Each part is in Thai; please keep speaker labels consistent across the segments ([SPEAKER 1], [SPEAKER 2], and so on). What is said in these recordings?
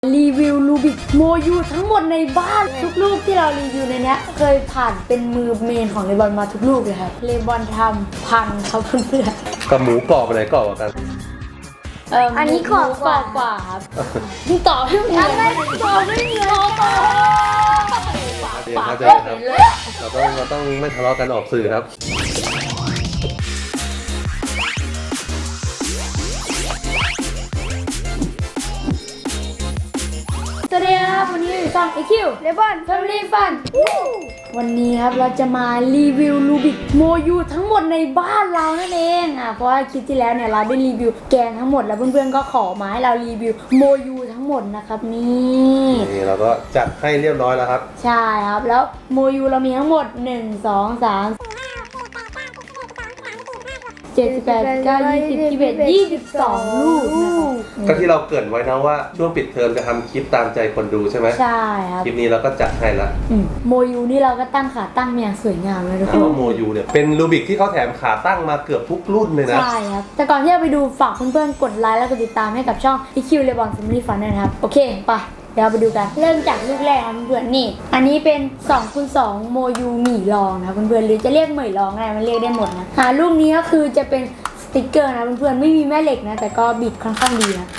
[SPEAKER 1] รีวิวลูบิกโมยูทั้งหมดในบ้านทุกลูกที่เรารีวิวในนี้เคยผ่านเป็นมือเมนของเลบอนมาทุกลูกเลยครับเลบอนทำพังครับเพื่อน
[SPEAKER 2] ๆกับหมูกรอบอะไรกรอบกว่ากัน
[SPEAKER 1] อันนี้กรอบกว่าครับยิ่งต่อให้หมูอะไรต่อไม่เงยต่อ
[SPEAKER 2] ปากเลยเราต้องไม่ทะเลาะกันออกสื่อครับ
[SPEAKER 1] สวัสดีครับวันนี้อยู่ช่อง EQ เลบอนแฟมิลี่ฟันวันนี้ครับเราจะมารีวิวลูบิกโมยูทั้งหมดในบ้านเรานั่นเองเพราะว่าคลิปที่แล้วเนี่ยเราได้รีวิวแกงทั้งหมดแล้วเพื่อนๆก็ขอมาให้เรารีวิวโมยูทั้งหมดนะครับนี่
[SPEAKER 2] เราก็จัดให้เรียบร้อยแล้วครับ
[SPEAKER 1] ใช่ครับแล้วโมยูเรามีทั้งหมด1 2 3 78 9 20 21 22ลูกนะครับ
[SPEAKER 2] ก็ที่เราเกริ่นไว้นะว่าช่วงปิดเทอมจะทำคลิปตามใจคนดูใช่ไหม
[SPEAKER 1] ใช่ครับ
[SPEAKER 2] คลิปนี้เราก็จัดให้ละ
[SPEAKER 1] โมยูนี่เราก็ตั้งขาตั้งอย่างสวยงามเลยทุกคน
[SPEAKER 2] โมยูเนี่ยเป็นลูบิกที่เขาแถมขาตั้งมาเกือบทุกรุ่นเลยนะ
[SPEAKER 1] ใช่ครับแต่ก่อนที่จะไปดูฝากเพื่อนๆกดไลค์แล้วกดติดตามให้กับช่อง EQ Lebon Family Fun ด้วยนะครับโอเคไปเดี๋ยวไปดูกันเริ่มจากลูกแรกครับเพื่อนๆนี่อันนี้เป็น2x2โมยูหมี่รองนะเพื่อนๆหรือจะเรียกเหมยรองอะไรมันเรียกได้หมดนะลูกนี้ก็คือจะเป็นสติ๊กเกอร์นะเพื่อนๆไม่มีแม่เหล็กนะแต่ก็บิดค่อนข้างดีนะ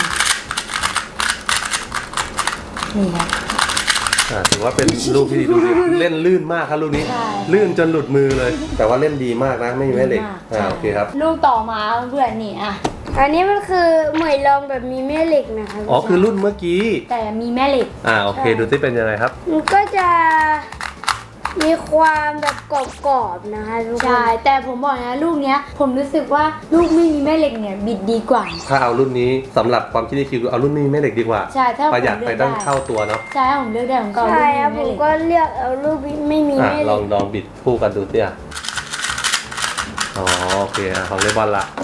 [SPEAKER 1] นี่ครับ
[SPEAKER 2] ถือว่าเป็นลูกที่ดีดูดิเล่นลื่นมากครับลูกนี้ลื่นจนหลุดมือเลยแต่ว่าเล่นดีมากนะไม่มีแม่เหล็กโอเคครับ
[SPEAKER 1] ลูกต่อมาเพื่อนๆนี่
[SPEAKER 3] อันนี้มันคือเหมยรองแบบมีแม่เหล็กนะคะ
[SPEAKER 2] อ๋อคือรุ่นเมื่อกี้
[SPEAKER 1] แต่มีแม่เหล็ก
[SPEAKER 2] โอเคดูที่เป็นยังไงครับ
[SPEAKER 3] มันก็จะมีความแบบกรอบๆนะคะทุกคน
[SPEAKER 1] ใช่แต่ผมบอกนะลูกเนี้ยผมรู้สึกว่าลูกไม่มีแม่เหล็กเนี่ยบิดดีกว่า
[SPEAKER 2] ถ้าเอารุ่นนี้สำหรับความคิดที่คิดเอารุ่นนี้แม่เหล็กดีกว่า
[SPEAKER 1] ใช่ถ้า
[SPEAKER 2] ประหยัดไปตั้งเท่าตัวเนาะ
[SPEAKER 1] ใช่ผมเลือกได้ผมก็
[SPEAKER 3] ใช่ครับผมก็เลือกเอาลูกไม่มีแม่เหล็ก
[SPEAKER 2] ลองบิดคู่กันดูสิโอเคของเลบอนละ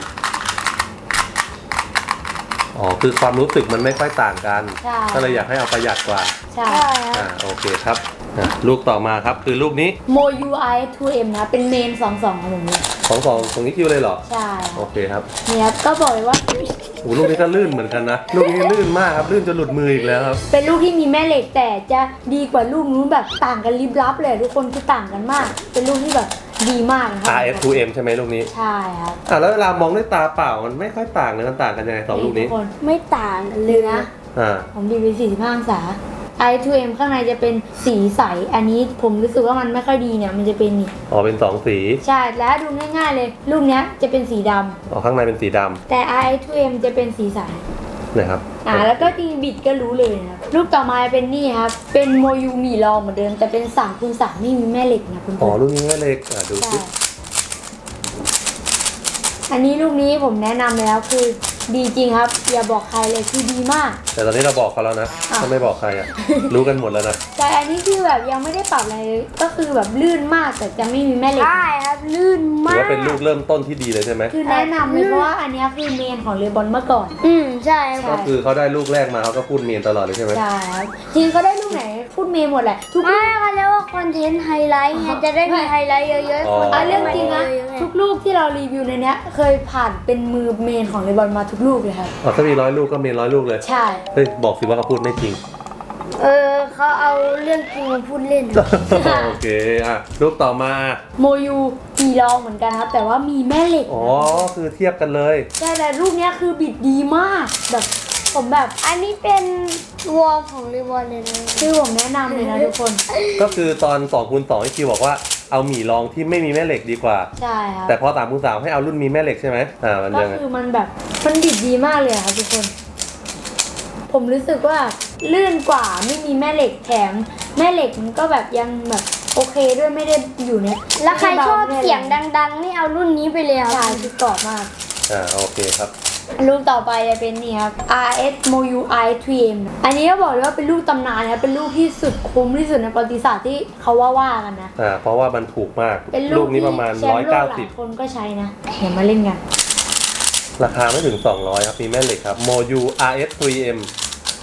[SPEAKER 2] คือความรู้สึกมันไม่ค่อยต่างกันก็เลยอยากให้เอาประหยัดกว่า
[SPEAKER 1] ใช่
[SPEAKER 2] โอเคครับลูกต่อมาครับคือลูกนี้
[SPEAKER 1] โมยูไอ 2M นะเป็นเมน22ของผมเลย
[SPEAKER 2] ตรงนี้คิวเลยเหรอ
[SPEAKER 1] ใช่
[SPEAKER 2] โอเคครับ
[SPEAKER 1] เนี่ยก็บอกเลยว่า
[SPEAKER 2] ลูกนี้ก็ลื่นเหมือนกันนะลูกนี้ลื่นมากครับลื่นจนหลุดมืออีกแล้วครับ
[SPEAKER 1] เป็นลูกที่มีแม่เหล็กแต่จะดีกว่าลูกนู้นแบบต่างกันลิบลับเลยทุกคนคือต่างกันมากเป็นลูกที่แบบดีมากนะครับ
[SPEAKER 2] RS2M ใช่ไหมลูกนี้
[SPEAKER 1] ใช่ครับ
[SPEAKER 2] แล้วเวลามองด้วยตาเปล่ามันไม่ค่อยต่างเลยมันต่างกันยังไง2ลูกนี้
[SPEAKER 1] ทุกคนไม่ต่างเลยนะผมดีไป45องศา i2m ข้างในจะเป็นสีใสอันนี้ผมรู้สึกว่ามันไม่ค่อยดีเนี่ยมันจะเป็นนี่
[SPEAKER 2] เป็น2สี
[SPEAKER 1] ใช่แล้วดูง่ายๆเลยลูกเนี้ยจะเป็นสีด
[SPEAKER 2] ำข้างในเป็นสีด
[SPEAKER 1] ำแต่ i2m จะเป็นสีใส
[SPEAKER 2] นะครับ
[SPEAKER 1] แล้วก็จริงบิดก็รู้เลยนะลูกต่อมาเป็นนี่ครับเป็นโมยูหมี่รองเหมือนเดิมแต่เป็น3x3ไม่มีแม่เหล็กนะคุณ
[SPEAKER 2] พ่อลูกนี้แม่เหล็กดูสิ
[SPEAKER 1] อันนี้ลูกนี้ผมแนะนำเลยแล้วคือดีจริงครับอย่าบอกใครเลยคือดีมาก
[SPEAKER 2] แต่ตอนนี้เราบอกเขาแล้วนะถ้าไม่บอกใครรู้กันหมดแล้วนะ
[SPEAKER 1] แต่อันนี้คือแบบยังไม่ได้ปรับอะไรก็คือแบบลื่นมากแต่จะไม่มีแม่เหล็ก
[SPEAKER 3] ใช่ครับลื่นมาก
[SPEAKER 2] ถือว่าเป็นลูกเริ่มต้นที่ดีเลยใช่ไหม
[SPEAKER 1] คือแนะนำเลยเพราะว่าอันนี้คือเมนของเลบอนเมื่อก่อน
[SPEAKER 3] ใช่
[SPEAKER 2] ก็คือเขาได้ลูกแรกมาเขาก็พูดเมนตลอดเลยใช่ไหม
[SPEAKER 1] ใช่ครับจริงเขาได้ลูกไหนพูดเมนหมดแหละ
[SPEAKER 3] ทุกลูกเขาเรียกว่าคอนเทนต์ไฮไลท์ไงจะได้มีไฮไลท์เยอะ
[SPEAKER 1] ๆเรื่องจริงนะทุกลูกที่เรารีวิวในนี้เคยผ่านเป็นมือเมนของเลบอนมาทุกลูกเลยครับ
[SPEAKER 2] ถ้ามี100 ลูกก็เมน100 ลูกเลย
[SPEAKER 1] ใช่
[SPEAKER 2] บอกสิว่าเขาพูดไม่จริง
[SPEAKER 3] เขาเอาเรื่องจริงมาพูดเล่น
[SPEAKER 2] โอเคลูกต่อมา
[SPEAKER 1] โมยูมีรองเหมือนกันครับแต่ว่ามีแม่เหล็ก
[SPEAKER 2] คือเทียบกันเลย
[SPEAKER 1] ใช่แต่ลูกนี้คือบิดดีมากแบบผมแบบ
[SPEAKER 3] อันนี้เป็นวอลของรีวอลเลยนะ
[SPEAKER 1] คือผมแนะนำเลยนะทุกคน
[SPEAKER 2] ก็คือตอน2x2ที่คิวบอกว่าเอาหมี่รองที่ไม่มีแม่เหล็กดีกว่า
[SPEAKER 1] ใช่ครับ
[SPEAKER 2] แต่พอ3x3ให้เอารุ่นมีแม่เหล็กใช่ไหมมัน
[SPEAKER 1] ก็คือมันแบบมันบิดดีมากเลยครับทุกคนผมรู้สึกว่าลื่นกว่าไม่มีแม่เหล็กแถมแม่เหล็กมันก็แบบยังแบบโอเคด้วยไม่ได้อยู่เนี่ย
[SPEAKER 3] แล้วใครชอบเสียงดังๆนี่เอารุ่นนี้ไปเลยครับ
[SPEAKER 1] ใช่คือกรอบมาก
[SPEAKER 2] โอเคครับ
[SPEAKER 1] ลูกต่อไปจะเป็นนี่ครับ RS Moyu i3m อันนี้ก็บอกเลยว่าเป็นลูกตำนานนะเป็นลูกที่สุดคุ้มที่สุดในประวัติศาสตร์ที่เขาว่ากันนะ
[SPEAKER 2] เพราะว่ามันถูกมาก
[SPEAKER 1] เป็นลูกนี้ประมาณ190คนก็ใช้นะเดี๋ยวมาเล่นกัน
[SPEAKER 2] ราคาไม่ถึง200ครับมีแม่เหล็กครับ Moyu RS3m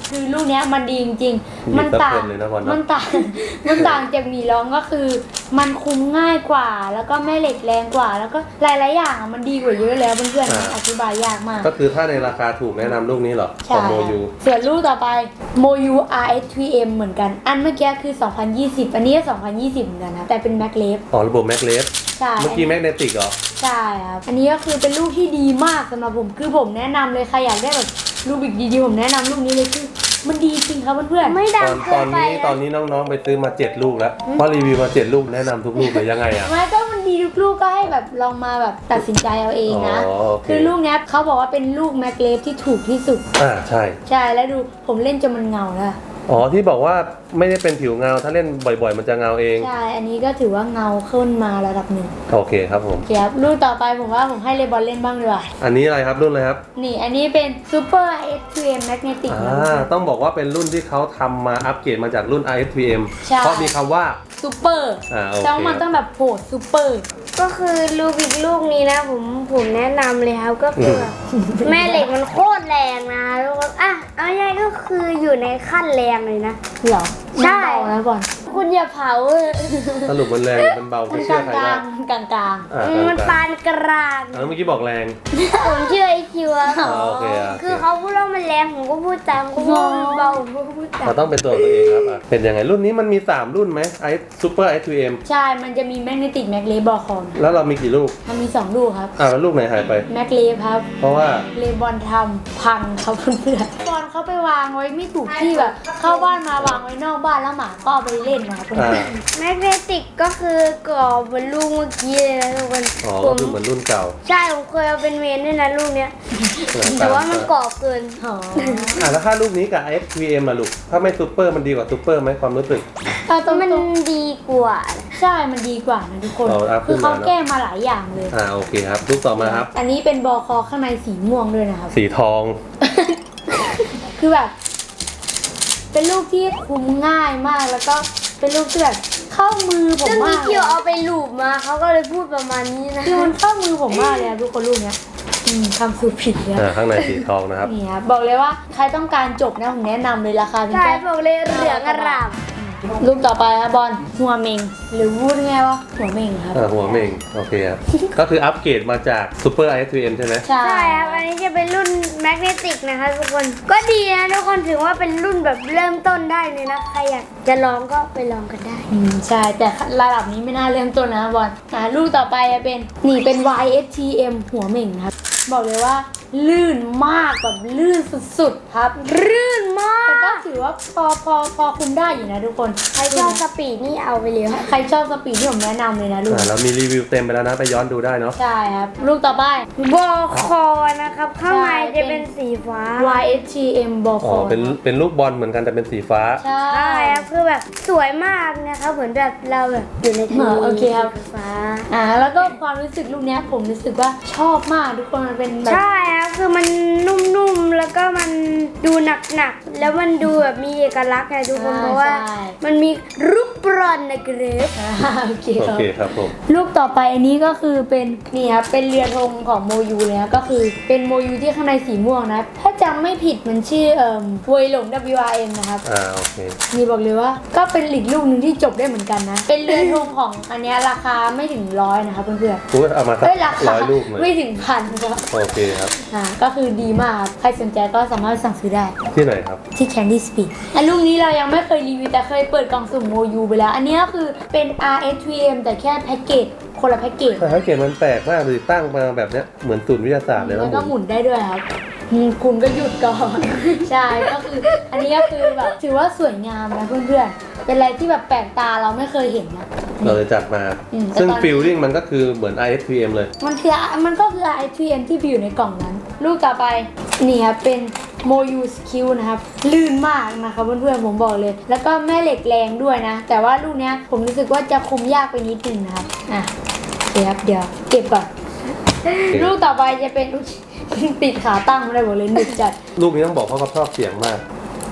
[SPEAKER 1] คือลูกเนี้ยมันดีจริงๆ มันต่าง
[SPEAKER 2] เลยนะบอล
[SPEAKER 1] มันต่าง มันต่างจากหมีร้องก็คือ มันคุมง่ายกว่า แล้วก็แม่เหล็กแรงกว่า แล้วก็หลายๆอย่างมันดีกว่าเยอะแล้วเพื่อนๆอธิบายยากมาก
[SPEAKER 2] ก็คือถ้าในราคาถูกแนะนำลูกนี้เหรอข
[SPEAKER 1] ใช่
[SPEAKER 2] องโมยู
[SPEAKER 1] ส่วนลูกต่อไปโมยู RS3M เหมือนกัน อันเมื่อกี้คือ 2020 อันนี้ก็2020 เหมือนกันนะแต่เป็นแม็กเลฟ
[SPEAKER 2] อ๋อระบบแมกเลส
[SPEAKER 1] ใช่
[SPEAKER 2] เมื่อกี้แมกเนติกเหรอ
[SPEAKER 1] ใช่ครับ อันนี้ก็คือเป็นลูกที่ดีมากสำหรับผมคือผมแนะนำเลยใครอยากได้แบบลูกบิกดีๆผมแนะนำลูกนี้เลยคือมันดีจริงครับเพื่อนๆ
[SPEAKER 3] ไม่
[SPEAKER 2] ต
[SPEAKER 3] ดั
[SPEAKER 2] อง น
[SPEAKER 3] เกินไป
[SPEAKER 2] ตอนนี้น้องๆไปซื้อมา7 ลูกแล้วพอรีวิวมา7 ลูกแนะนำทุกลูกเลยยังไงอ่ะ
[SPEAKER 1] ไม่ก็มันดีทุกลูกก็ให้แบบลองมาแบบตัดสินใจเอาเองนะ
[SPEAKER 2] อ๋อโอเค
[SPEAKER 1] คือลูกเนี้ยเขาบอกว่าเป็นลูกแม็กเลฟที่ถูกที่สุด
[SPEAKER 2] ใช่
[SPEAKER 1] ใช่แล้วดูผมเล่นจนมันเงาแล้ว
[SPEAKER 2] อ๋อที่บอกว่าไม่ได้เป็นผิวเงาถ้าเล่นบ่อยๆ มันจะเงาเอง
[SPEAKER 1] ใช่ อันนี้ก็ถือว่าเงาขึ้นมาระดับหนึ่ง
[SPEAKER 2] โอเคครับผม
[SPEAKER 1] เดี๋ยวลูกต่อไปผมว่าผมให้เลบอนเล่นบ้างดีกว่า
[SPEAKER 2] อันนี้อะไรครับรุ่นอะไรครับ
[SPEAKER 1] นี่อันนี้เป็น Super S2M Magnetic นะ
[SPEAKER 2] ต้องบอกว่าเป็นรุ่นที่เขาทำมาอัปเกรดมาจากรุ่น RSVM
[SPEAKER 1] ใช่
[SPEAKER 2] เพราะมีคำว่า
[SPEAKER 1] Super
[SPEAKER 2] โอเค
[SPEAKER 1] ต้องมันต้องแบบโหด Super
[SPEAKER 3] ก็คือลูกบิกลูกนี้นะผมแนะนำเลยครับก็คือแบบแม่เหล็กมันโคตรแรงนะทุกคนอ่ะเอาง่ายๆก็คืออยู่ในขั้นแรงเลยนะ
[SPEAKER 1] เหรอ
[SPEAKER 3] ใช่
[SPEAKER 1] มันเบานะบอล
[SPEAKER 3] คุณอย่าเผา
[SPEAKER 2] สรุปมันแรงมันเบา
[SPEAKER 1] มัน
[SPEAKER 2] ไม่
[SPEAKER 1] ก
[SPEAKER 2] เชื่
[SPEAKER 1] ลา
[SPEAKER 2] อง ใครได้
[SPEAKER 1] ๆกลาง
[SPEAKER 3] มันปานกลาง
[SPEAKER 2] เมื่อกี้บอกแรง
[SPEAKER 3] ผมเชื่อไอคิวอะ
[SPEAKER 2] โอเค
[SPEAKER 3] คือเขาพูดว่ามันแรงผมก็พูดตามเขาพูดว่ามันเบาผมก็พูดตาม
[SPEAKER 2] เราต้องเป็นตัวตัวเองครับเป็นยังไงรุ่นนี้มันมี3รุ่นไหมSuper S2M
[SPEAKER 1] ๆ ใช่ มันจะมี Magnetic Mag Leaf บอลคอน
[SPEAKER 2] แล้วเรามีกี่ลูก
[SPEAKER 1] มันมี 2 ลูกครับ
[SPEAKER 2] แล้วลูกไหนหายไป
[SPEAKER 1] Mag Leaf ครับ
[SPEAKER 2] เพราะว่า
[SPEAKER 1] เลบอนทำพังครับเพื่อนๆบอลเขาไปวางไว้ไม่ถูกที่แบบ เข้าบ้านมาวางไว้นอกบ้านแล้วหมาก็เอาไปเล่นนะครับเพื่อน
[SPEAKER 3] แมกเนติกก็คือกรอบเหมือนลูกเมื่อกี้เลยนะทุกคน
[SPEAKER 2] อ๋อ
[SPEAKER 3] ผ
[SPEAKER 2] ก็
[SPEAKER 3] ม
[SPEAKER 2] คือเหมือนรุ่นเก่า
[SPEAKER 3] ใช่ผมเคยเอาเป็นเมนด้วยนะลูกเนี้ยแต่ว่ามันกรอบเกิน
[SPEAKER 1] ๆอ๋อ
[SPEAKER 2] แล้วถ้าลูกนี้กับ SVM ลูกถ้าไม่ซูเปอร์มันดีกว่าซูเปอร์ไหมความรู้สึก
[SPEAKER 1] ตรง
[SPEAKER 3] มัน ดีกว่า
[SPEAKER 1] ใช่มันดีกว่านะทุกคน
[SPEAKER 2] เอาอัพขึ้
[SPEAKER 1] คือน เขา
[SPEAKER 2] มาเนอะ
[SPEAKER 1] แก้มาหลายอย่างเลย
[SPEAKER 2] โอเคครับลูกต่อมาครับ
[SPEAKER 1] อันนี้เป็นบอลคอข้างในสีม่วงด้วยนะครับ
[SPEAKER 2] สีทอง
[SPEAKER 1] คือแบบ เป็นลูกที่คุมง่ายมากแล้วก็เป็นลูกที่แบบเข้ามือผม
[SPEAKER 3] ซึ่ง
[SPEAKER 1] มา
[SPEAKER 3] มี
[SPEAKER 1] ก
[SPEAKER 3] คิวเอาไปลูบมาเขาก็เลยพูดประมาณนี้นะ
[SPEAKER 1] คือมันเข้ามือผมมากเลยอะทุกคนลูกเนี้ยทำสูตรผิดเลย
[SPEAKER 2] ข้างในสีทองนะครับ
[SPEAKER 1] นี่ครับบอกเลยว่าใครต้องการจบนะผมแนะนำเลยราคาเป็น
[SPEAKER 3] ใช่
[SPEAKER 1] แค่
[SPEAKER 3] บอกเลยเหลืองอร่าม
[SPEAKER 1] ลูกต่อไปครับบอลหัวเมงหรือพูดไงวะหัวเมงครับ
[SPEAKER 2] หัวเมงโอเคครับ ก็คืออัปเกรดมาจาก Super SVM ใช่ไหม
[SPEAKER 1] ใช่
[SPEAKER 3] ใช่ครับ อันนี้จะเป็นรุ่นแมกเนติกนะคะทุกคน ก็ดีนะทุกคนถือว่าเป็นรุ่นแบบเริ่มต้นได้เลยนะ ใครอยากจะลองก็ไปลองกันได้
[SPEAKER 1] ใช่แต่ระดับนี้ไม่น่าเริ่มต้นนะบอลลูกต่อไปจะเป็นนี่เป็น YSTM หัวเมงครับบอกเลยว่าลื่นมากแบบลื่นสุดๆครับลื่นมากแต่ก็ถือว่าพอคุมได้อยู่นะทุกคน
[SPEAKER 3] ใครชอบสปีดนี่เอาไปเลย
[SPEAKER 1] ใครชอบสปีดที่ผมแนะนำเลยนะลูก
[SPEAKER 2] เรามีรีวิวเต็มไปแล้วนะไปย้อนดูได้เนาะ
[SPEAKER 1] ใช่ครับลูกต่อไป
[SPEAKER 3] บอคอนะครับ ข้างในจะเป็นสีฟ้า
[SPEAKER 1] YSTM บอลค
[SPEAKER 2] อ๋อ
[SPEAKER 1] อ
[SPEAKER 2] เป็นลูกบอลเหมือนกันแต่เป็นสีฟ้า
[SPEAKER 1] ใช่
[SPEAKER 3] ใช่ครับคือแบบสวยมากนะครับเหมือนแบบเราแบบอยู่ในทะเล
[SPEAKER 1] โอเคครับ
[SPEAKER 3] ฟ้า
[SPEAKER 1] แล้วก็ความรู้สึกลูกเนี้ยผมรู้สึกว่าชอบมากทุกคนมันเป็นแบบ
[SPEAKER 3] ใช่ครับคือมันนุ่มๆแล้วก็มันดูหนักๆแล้วมันดูแบบมีเอกลักษณ์ไงทุกคนเพราะว่ามันมีรูปบอลนะเกรฟ
[SPEAKER 1] โอเค
[SPEAKER 2] โอ
[SPEAKER 1] ครับ
[SPEAKER 2] เคครับผม
[SPEAKER 1] ลูกต่อไปอันนี้ก็คือเป็นนี่ครับเป็นเรือธงของโมยูเลยนะก็คือเป็นโมยูที่ข้างในสีม่วงนะถ้าจำไม่ผิดมันชื่อเวยหลง WRM นะครับ
[SPEAKER 2] โอเค
[SPEAKER 1] นี่บอกเลยว่าก็เป็นอีกลูกหนึ่งที่จบได้เหมือนกันนะ เป็นเรือธงของอันเนี้ยราคาไม่ถึง100นะครับเพื่อน
[SPEAKER 2] อุ้ยเอามา
[SPEAKER 1] ๆ
[SPEAKER 2] สัก
[SPEAKER 1] ราคา
[SPEAKER 2] 100 ลูกเลย
[SPEAKER 1] ไม่ถึงพันครับ
[SPEAKER 2] โอเคครับ
[SPEAKER 1] ก็คือดีมากครับใครสนใจก็สามารถสั่งซื้อได้
[SPEAKER 2] ที่ไหนครับ
[SPEAKER 1] ที่ Candy Speed อันลูกนี้เรายังไม่เคยรีวิวแต่เคยเปิดกล่องสุ่มโมยูไปแล้ว อันนี้ก็คือเป็น RS3M แต่แค่แพ็กเกจคนละแพ็กเกจ
[SPEAKER 2] แต่ถ้าเกตมันแปลกมากเลยตั้งมาแบบเนี้ยเหมือนศูนย์วิทยาศาสตร์เลย
[SPEAKER 1] แล้ว
[SPEAKER 2] นะ
[SPEAKER 1] ก็
[SPEAKER 2] ผม
[SPEAKER 1] หมุนได้ด้วยครับคุณก็หยุดก่อน ใช่ก็คืออันนี้ก็คือแบบถือว่าสวยงามนะเพื่อนๆ เป็นอะไรที่แบบแปลกตาเราไม่เคยเห็นนะ
[SPEAKER 2] เราเลยจัดมา ซึ่งฟิลลิ่งมันก็คือเหมือน ISVM เลย
[SPEAKER 1] มันก็คือ RS3M ที่อยู่ในกล่องนั้น ลูกต่อไปนี่ครับเป็นโมยูสคิวนะครับลื่นมากนะคะเพื่อนๆผมบอกเลย แล้วก็แม่เหล็กแรงด้วยนะ แต่ว่าลูกเนี้ยผมรู้สึกว่าจะคุมยากไปนิดนึงนะครับเดี๋ยวเก็บก่อน ลูกต่อไปจะเป็น ติดขาตั้งไม่ได้บอกเลยหนึบจัด
[SPEAKER 2] ลูกนี้ต้องบอกเพราะเขาชอบเสียงมาก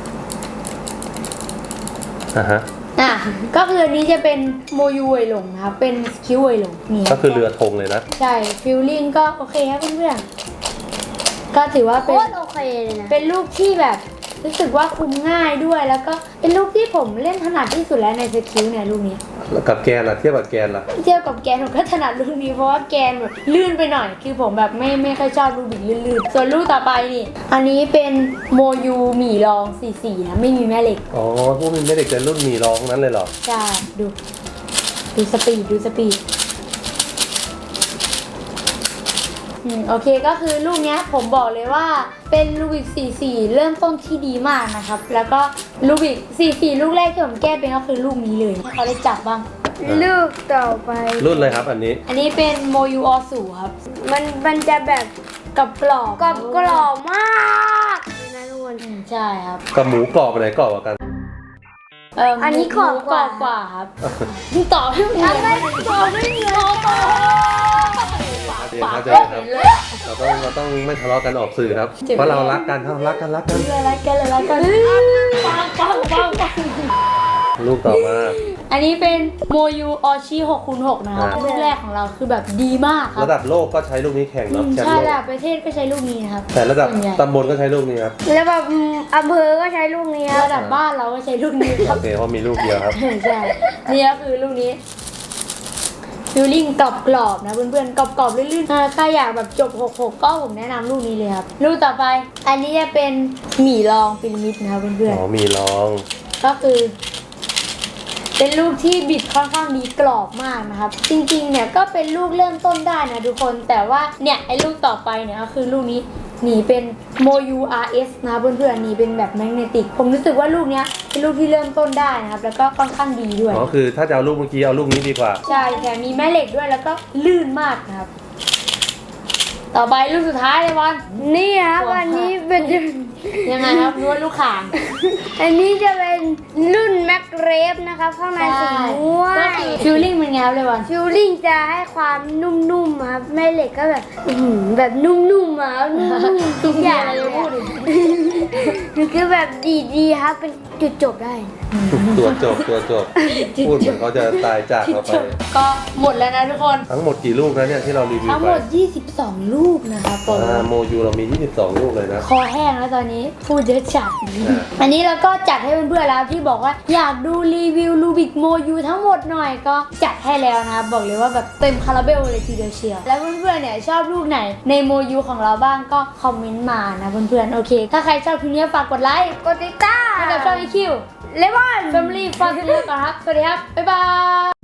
[SPEAKER 2] ฮะ
[SPEAKER 1] ก็คืออันนี้จะเป็นโมยูเวยหลงนะครับเป็นสคิวเวยหลงนี่
[SPEAKER 2] ก็คือเรือธงเลยนะ
[SPEAKER 1] ใช่ฟิลลิ่งก็โอเคครับเพื่อนๆก็ถือว่า
[SPEAKER 3] โค
[SPEAKER 1] เป็น
[SPEAKER 3] ตรโอเคเลยนะ
[SPEAKER 1] เป็นลูกที่แบบรู้สึกว่าคุมง่ายด้วยแล้วก็เป็นลูกที่ผมเล่นถนัดที่สุดแล้วในสกิลเนี่ยลูกนี้
[SPEAKER 2] แล้วกับแกนล่ะเทียบกับแกนล่ะ
[SPEAKER 1] เทียบกับแกนผมก็ถนัดลูกนี้เพราะว่าแกนแบบลื่นไปหน่อย คือผมแบบไม่ค่อยชอบลูกบิดลื่นๆส่วนลูกต่อไปนี่อันนี้เป็นโมยูหมี่รอง44นะไม่มีแม่เหล็ก
[SPEAKER 2] อ๋อพวกมันไม่เด็กจะรุ่นหมีร้องนั้นเลยเหรอ
[SPEAKER 1] ใช่ดูสปีดโอเคก็คือลูกเนี้ยผมบอกเลยว่าเป็นลูบิก44เริ่มต้นที่ดีมากนะครับแล้วก็ลูบิก44ลูกแรกที่ผมแก้เป็นก็คือลูกนี้เลยให้เขาได้จับบ้าง
[SPEAKER 3] ลูกต่อไป
[SPEAKER 2] รุ่นเลยครับอันนี้
[SPEAKER 1] อันนี้เป็นโมยูอสูครับ
[SPEAKER 3] มันจะแบบ
[SPEAKER 1] กับกรอบ
[SPEAKER 3] กรอบมากเลยนะทุกคน
[SPEAKER 1] ใช่ครับ
[SPEAKER 2] กับหมูกรอบอันไหนกรอบกว่ากัน
[SPEAKER 3] อันนี้กรอบกว่า
[SPEAKER 1] กว่าครับต่อให้หมู
[SPEAKER 3] อะไรกรอบไม่เหมือนกัน
[SPEAKER 1] ปาก
[SPEAKER 2] เข้าใจ
[SPEAKER 1] ก็
[SPEAKER 2] ครั
[SPEAKER 1] เห็
[SPEAKER 2] บ
[SPEAKER 1] นเลย
[SPEAKER 2] เราต้องไม่ทะเลาะกันออกสื่อครับ
[SPEAKER 1] เจ็บ
[SPEAKER 2] เพราะเรารักกันครับรักกัน
[SPEAKER 1] เลยละกันปัง
[SPEAKER 2] ลูกต่อมา
[SPEAKER 1] อันนี้เป็นโมยูออชิ6x6นะครับ
[SPEAKER 2] อ่า
[SPEAKER 1] ลูกแรกของเราคือแบบดีมากครับ
[SPEAKER 2] ระดับโลกก็ใช้ลูกนี้แข่งเนาะแชมป์
[SPEAKER 1] ใช่
[SPEAKER 2] โลก
[SPEAKER 1] ระดับประเทศก็ใช้ลูกนี้นะครับ
[SPEAKER 2] แต่ระดับ
[SPEAKER 1] ส่วนใหญ่
[SPEAKER 2] ตำบลก็ใช้ลูกนี้ครับ
[SPEAKER 3] แล้วแบบอำเภอก็ใช้ลูกนี้ครับ
[SPEAKER 1] ระดับบ้านเราก็ใช้ลูกนี้ครั
[SPEAKER 2] โอบ เคเพราะมีลูกเดียวครับ
[SPEAKER 1] ใช่นี่ก็คือลูกนี้ฟิลลิ่งกรอบๆนะเพื่อนๆกรอบๆลื่นๆใครอยากแบบจบ6-6ก็ผมแนะนำลูกนี้เลยครับลูกต่อไป อันนี้จะเป็นหมี่รองพีระมิดนะครับเพื่อน
[SPEAKER 2] อ๋อมีลอง
[SPEAKER 1] ๆก็คือ เป็นลูกที่บิดค่อนข้างดีกรอบมากนะครับ จริงๆเนี่ยก็เป็นลูกเริ่มต้นได้นะทุกคนแต่ว่าเนี่ยไอ้ลูกต่อไปเนี่ยก็คือลูกนี้หนีเป็นโมยู RS นะเพื่อนๆหนีเป็นแบบแมกเนติกผมรู้สึกว่าลูกเนี้ยเป็นลูกที่เริ่มต้นได้นะครับแล้วก็ค่อนข้างดีด้วย
[SPEAKER 2] อ๋อคือถ้าจะเอาลูกเมื่อกี้เอาลูกนี้ดีกว่า
[SPEAKER 1] ใช่แต่มีแม่เหล็กด้วยแล้วก็ลื่นมากนะครับ ต่อไปลูกสุดท้ายเลยบอล
[SPEAKER 3] นี่ครับอันนี้เป็น
[SPEAKER 1] ยังไงครับนวดลูกข่าง
[SPEAKER 3] อันนี้จะเป็นรุ่นแม็กเรฟนะครับข้างในสีม่วง
[SPEAKER 1] ก็คือฟิลลิ่งเป็นไงครับเลยบอล
[SPEAKER 3] ฟิลลิ่งจะให้ความนุ่มๆครับแม่เหล็กก็แบบแบบนุ่มๆอ่ะนุ่มๆทุกอย่างเลย
[SPEAKER 1] พูดดิ
[SPEAKER 3] คือแบบดีๆครับเป็นจุดจบได้
[SPEAKER 2] ตัวจบพูดเหมือนเขาจะตายจากเราไป
[SPEAKER 1] ก็หมดแล้วนะทุกคน
[SPEAKER 2] ทั้งหมดกี่ลูกนะเนี่ยที่เรารีวิว
[SPEAKER 1] ทั้ง
[SPEAKER 2] ไป
[SPEAKER 1] หมด 22 ลูกนะครับผม
[SPEAKER 2] โมยูเรามี 22 ลูกเลยนะ
[SPEAKER 1] คอแห้งแล้วตอนนี้พูดเยอะจัด
[SPEAKER 2] อ่า
[SPEAKER 1] อันนี้เราก็จัดให้เพื่อนๆแล้วที่บอกว่าอยากดูรีวิวลูบิกโมยูทั้งหมดหน่อยก็จัดให้แล้วนะครับบอกเลยว่าแบบเต็มคาราเบลเลยทีเดียวเชียวแล้วเพื่อนๆเนี่ยชอบลูกไหนในโมยูของเราบ้างก็คอมเมนต์มานะเพื่อนๆโอเค ถ้าใครชอบคลิปนี้ฝากกดไลค์
[SPEAKER 3] กดติดตาม
[SPEAKER 1] ให้กับช่อง EQ
[SPEAKER 3] เลมอน
[SPEAKER 1] Family Fun กันก่อนครับสวัสดีครับบ๊ายบาย